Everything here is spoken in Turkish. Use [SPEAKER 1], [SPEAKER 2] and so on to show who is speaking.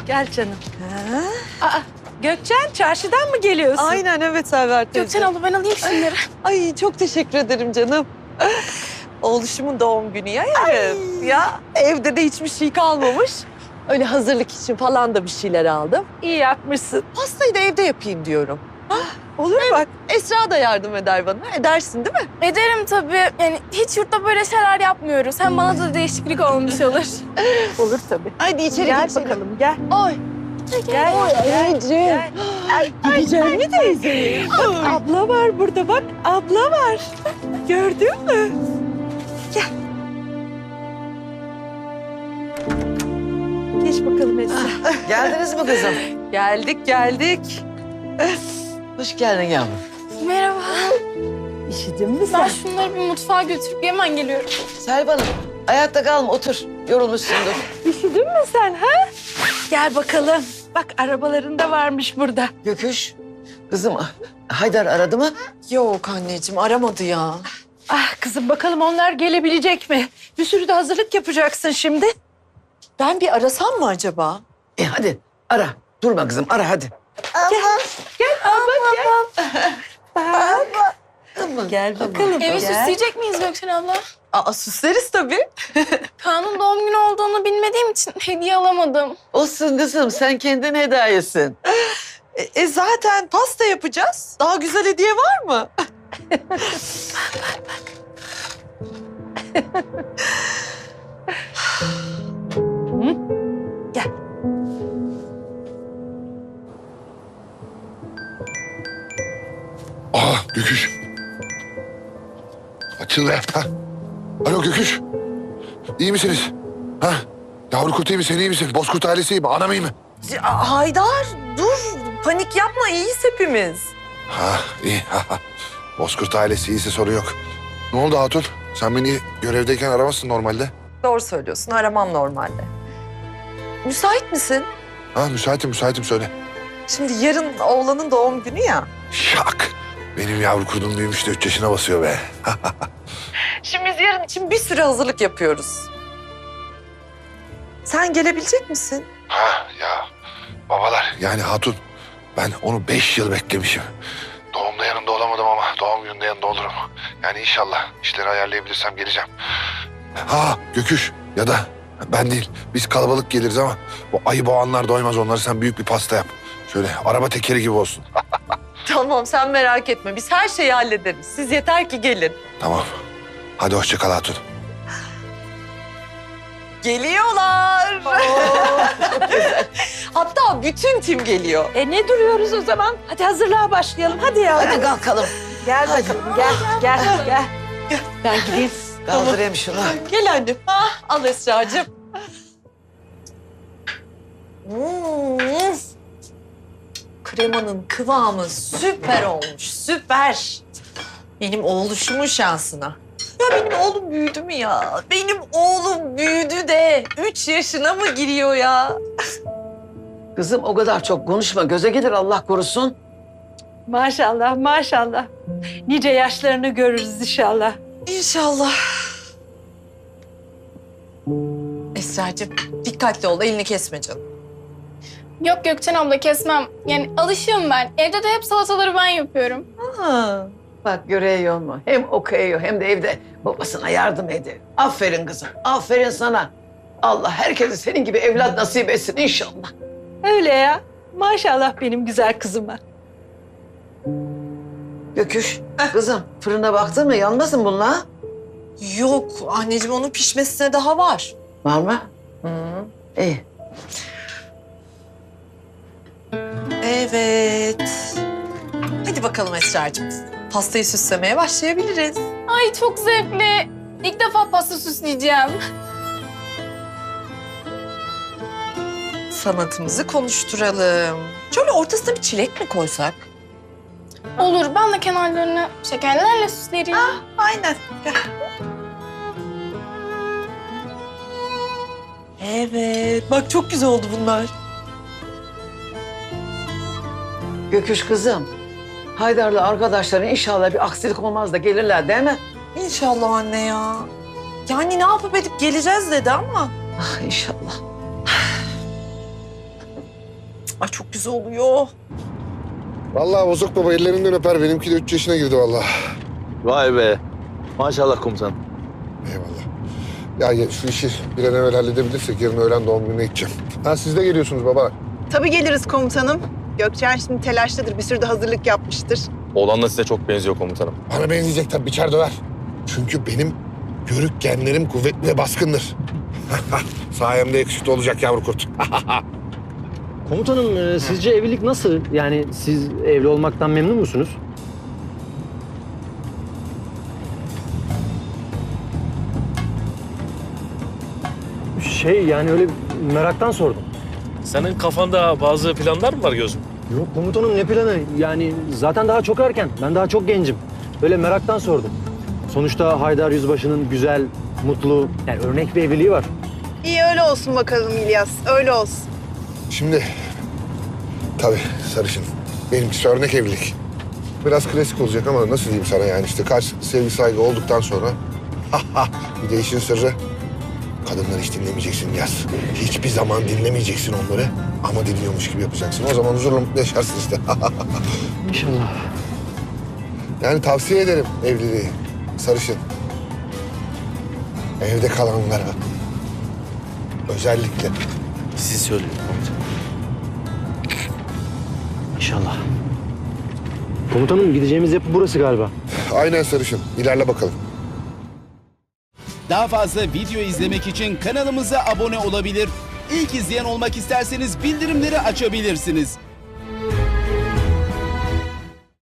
[SPEAKER 1] Gel canım. Aa, Gökçen çarşıdan mı geliyorsun?
[SPEAKER 2] Aynen evet Server teyze.
[SPEAKER 3] Gökçen abla ben alayım şunları.
[SPEAKER 2] Ay çok teşekkür ederim canım. Oğluşumun doğum günü ya yarın. Ya evde de hiçbir şey kalmamış. Öyle hazırlık için falan da bir şeyler aldım.
[SPEAKER 1] İyi yapmışsın.
[SPEAKER 2] Pastayı da evde yapayım diyorum. Olur bak. Esra da yardım eder bana. Edersin değil mi?
[SPEAKER 3] Ederim tabii. Yani hiç yurtta böyle şeyler yapmıyoruz. Hem bana da değişiklik olmuş olur.
[SPEAKER 1] Olur tabii.
[SPEAKER 2] Hadi içeri
[SPEAKER 1] Gel
[SPEAKER 2] geçelim.
[SPEAKER 1] bakalım gel.
[SPEAKER 3] Oy.
[SPEAKER 1] Gel.
[SPEAKER 2] Anneciğim. Gideceğim mi teyze?
[SPEAKER 1] Abla var burada bak. Abla var. Gördün mü? Gel. Geç bakalım Esra.
[SPEAKER 4] Geldiniz mi kızım?
[SPEAKER 2] Geldik.
[SPEAKER 4] Hoş geldin yavrum.
[SPEAKER 3] Merhaba.
[SPEAKER 1] İşittin mi
[SPEAKER 3] Ben
[SPEAKER 1] sen?
[SPEAKER 3] şunları bir mutfağa götürüp hemen geliyorum.
[SPEAKER 4] Selvan'ım ayakta kalma otur. Yorulmuşsundur.
[SPEAKER 1] İşittin mi sen ha? Gel bakalım. Bak arabalarında varmış burada.
[SPEAKER 4] Göküş. Kızım Haydar aradı mı?
[SPEAKER 2] Yok anneciğim aramadı ya.
[SPEAKER 1] Ah kızım bakalım onlar gelebilecek mi? Bir sürü de hazırlık yapacaksın şimdi.
[SPEAKER 2] Ben bir arasam mı acaba?
[SPEAKER 4] Hadi ara. Durma kızım ara hadi.
[SPEAKER 1] Gel abla gel. Bak. Gel bakalım.
[SPEAKER 3] Evi
[SPEAKER 1] gel.
[SPEAKER 3] süsleyecek miyiz Gökçen abla?
[SPEAKER 2] Aa süsleriz tabii.
[SPEAKER 3] Kaan'ın doğum günü olduğunu bilmediğim için hediye alamadım.
[SPEAKER 4] Olsun kızım sen kendin hedayesin.
[SPEAKER 2] Zaten pasta yapacağız. Daha güzel hediye var mı?
[SPEAKER 1] Gel.
[SPEAKER 5] Göküş. Açıl be. Ha. Alo Göküş. İyi misiniz? Ha? Yavru kurt iyi mi? Sen iyi misin? Bozkurt ailesi iyi mi? Anam iyi mi?
[SPEAKER 2] Haydar dur. Panik yapma iyiyiz hepimiz.
[SPEAKER 5] Ha iyi. Bozkurt ailesi iyiyse sorun yok. Ne oldu Hatun? Sen beni görevdeyken aramazsın normalde.
[SPEAKER 2] Doğru söylüyorsun aramam normalde. Müsait misin?
[SPEAKER 5] Ha müsaitim söyle.
[SPEAKER 2] Şimdi yarın oğlanın doğum günü ya.
[SPEAKER 5] Şak. Benim yavru kurdum büyümüş de 3 yaşına basıyor be.
[SPEAKER 2] Şimdi biz yarın için bir sürü hazırlık yapıyoruz. Sen gelebilecek misin?
[SPEAKER 5] Ha ya babalar yani Hatun ben onu 5 yıl beklemişim. Doğumda yanında olamadım ama doğum gününde yanında olurum. Yani inşallah işleri ayarlayabilirsem geleceğim. Ha Göküş ya da ben değil biz kalabalık geliriz ama o ayı boğanlar doymaz onları sen büyük bir pasta yap. Şöyle araba tekeri gibi olsun.
[SPEAKER 2] Tamam sen merak etme biz her şeyi hallederiz. Siz yeter ki gelin.
[SPEAKER 5] Tamam. Hadi hoşça kal Hatun.
[SPEAKER 2] Geliyorlar. Hatta bütün tim geliyor.
[SPEAKER 1] Ne duruyoruz o zaman? Hadi hazırlığa başlayalım. Hadi ya.
[SPEAKER 4] Hadi kalkalım.
[SPEAKER 1] Gel bakalım. Gel. Ben gideyim.
[SPEAKER 4] Kaldırayım şunu.
[SPEAKER 2] Gel annem. Al Esra'cığım. Kremanın kıvamı süper olmuş, süper. Benim oğluşumun şansına. Ya benim oğlum büyüdü mü ya? Benim oğlum büyüdü de 3 yaşına mı giriyor ya?
[SPEAKER 4] Kızım o kadar çok konuşma göze gelir Allah korusun.
[SPEAKER 1] Maşallah. Nice yaşlarını görürüz inşallah.
[SPEAKER 2] İnşallah. Esra'cığım dikkatli ol, elini kesme canım.
[SPEAKER 3] Yok Gökçen abla kesmem. Yani alışığım ben. Evde de hep salataları ben yapıyorum.
[SPEAKER 2] Ha.
[SPEAKER 4] Bak görüyor mu? Hem okuyor hem de evde babasına yardım ediyor. Aferin kızım aferin sana. Allah herkese senin gibi evlat nasip etsin inşallah.
[SPEAKER 1] Öyle ya. Maşallah benim güzel kızıma.
[SPEAKER 4] Göküş kızım fırına baktın mı yanmasın bunlar?
[SPEAKER 2] Yok anneciğim onun pişmesine daha var.
[SPEAKER 4] Var mı?
[SPEAKER 2] Hı.
[SPEAKER 4] İyi.
[SPEAKER 2] Evet. Hadi bakalım Esra'cığım. Pastayı süslemeye başlayabiliriz.
[SPEAKER 3] Ay çok zevkli. İlk defa pasta süsleyeceğim.
[SPEAKER 2] Sanatımızı konuşturalım. Şöyle ortasına bir çilek mi koysak?
[SPEAKER 3] Olur ben de kenarlarını şekerlerle süslerim.
[SPEAKER 2] Aynen. Gel. Evet. Bak çok güzel oldu bunlar.
[SPEAKER 4] Göküş kızım. Haydar'la arkadaşların inşallah bir aksilik olmaz da gelirler değil mi?
[SPEAKER 2] İnşallah anne ya. Yani ne yapıp edip geleceğiz dedi ama.
[SPEAKER 4] Ah inşallah.
[SPEAKER 2] Ay çok güzel oluyor.
[SPEAKER 5] Vallahi bozuk baba ellerinden öper. Benimki de 3 yaşına girdi vallahi.
[SPEAKER 6] Vay be. Maşallah komutanım.
[SPEAKER 5] Eyvallah. Ya şu işi bir an evvel halledebilirsek yarın öğlen doğum gününe gideceğim. Ha siz de geliyorsunuz baba.
[SPEAKER 7] Tabii geliriz komutanım. Gökçen şimdi telaştadır. Bir sürü de hazırlık yapmıştır.
[SPEAKER 6] Oğlan da size çok benziyor komutanım.
[SPEAKER 5] Bana benzeyecek tabii biçer döver. Çünkü benim yörük genlerim kuvvetli ve baskındır. Sayemde yakışıklı olacak yavru kurt.
[SPEAKER 8] Komutanım sizce evlilik nasıl? Yani siz evli olmaktan memnun musunuz? Yani öyle meraktan sordum.
[SPEAKER 9] Senin kafanda bazı planlar mı var gözüm?
[SPEAKER 8] Yok komutanım ne planı? Yani zaten daha çok erken. Ben daha çok gencim. Öyle meraktan sordum. Sonuçta Haydar Yüzbaşı'nın güzel, mutlu, yani örnek bir evliliği var.
[SPEAKER 7] İyi öyle olsun bakalım İlyas. Öyle olsun.
[SPEAKER 5] Şimdi tabii sarışın. Benimkisi örnek evlilik. Biraz klasik olacak ama nasıl diyeyim sana yani işte kaç sevgi saygı olduktan sonra bir de işin sırrı kadınları hiç dinlemeyeceksin Yaz. Hiçbir zaman dinlemeyeceksin onları ama dinliyormuş gibi yapacaksın. O zaman huzurla mutlu yaşarsın işte.
[SPEAKER 8] İnşallah.
[SPEAKER 5] Yani tavsiye ederim evliliği sarışın. Evde kalanlara özellikle.
[SPEAKER 9] Siz söyleyin komutanım.
[SPEAKER 8] İnşallah. Komutanım gideceğimiz yapı burası galiba.
[SPEAKER 5] Aynen sarışın. İlerle bakalım.
[SPEAKER 10] Daha fazla video izlemek için kanalımıza abone olabilir. İlk izleyen olmak isterseniz bildirimleri açabilirsiniz.